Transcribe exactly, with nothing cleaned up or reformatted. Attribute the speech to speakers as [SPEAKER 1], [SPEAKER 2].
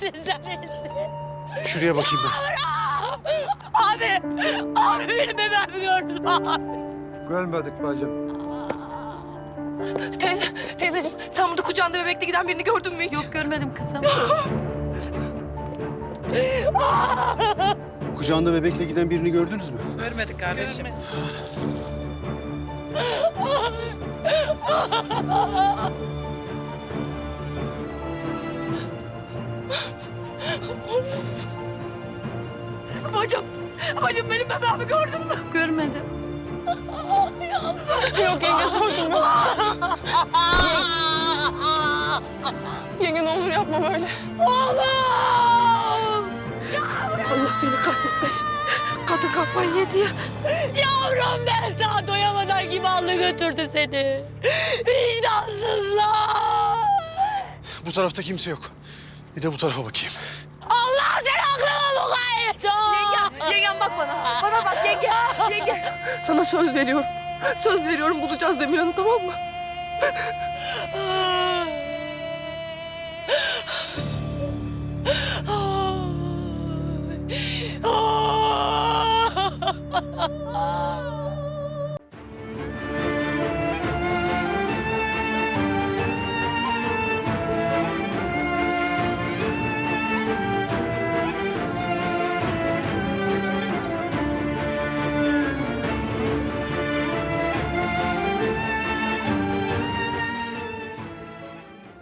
[SPEAKER 1] sen iyisin.
[SPEAKER 2] Şuraya bakayım ben.
[SPEAKER 1] Abi, abi benim bebeğimi gördün mü abi?
[SPEAKER 3] Görmedik bacım.
[SPEAKER 4] Teyze, teyzeciğim sen burada kucağında bebekle giden birini gördün mü hiç?
[SPEAKER 5] Yok görmedim kızım.
[SPEAKER 2] Kucağında bebekle giden birini gördünüz mü?
[SPEAKER 6] Görmedik kardeşim.
[SPEAKER 4] Bacım, bacım benim bebeğimi gördün mü?
[SPEAKER 5] Görmedim.
[SPEAKER 4] Yok yenge sordum yok. Yenge ne olur yapma böyle.
[SPEAKER 1] Oğlum!
[SPEAKER 4] Allah beni kahretmesin. Kadın kafayı yedi ya.
[SPEAKER 1] Yavrum ben sana doyamadan gibi aldı götürdü seni. Vicdansızlar!
[SPEAKER 2] Bu tarafta kimse yok. Bir de bu tarafa bakayım.
[SPEAKER 1] Allah seni aklıma mukayyet ol!
[SPEAKER 4] Yenge, yengem bak bana. Bana bak yenge, yenge. Sana söz veriyorum. Söz veriyorum bulacağız Demirhan'ı tamam mı?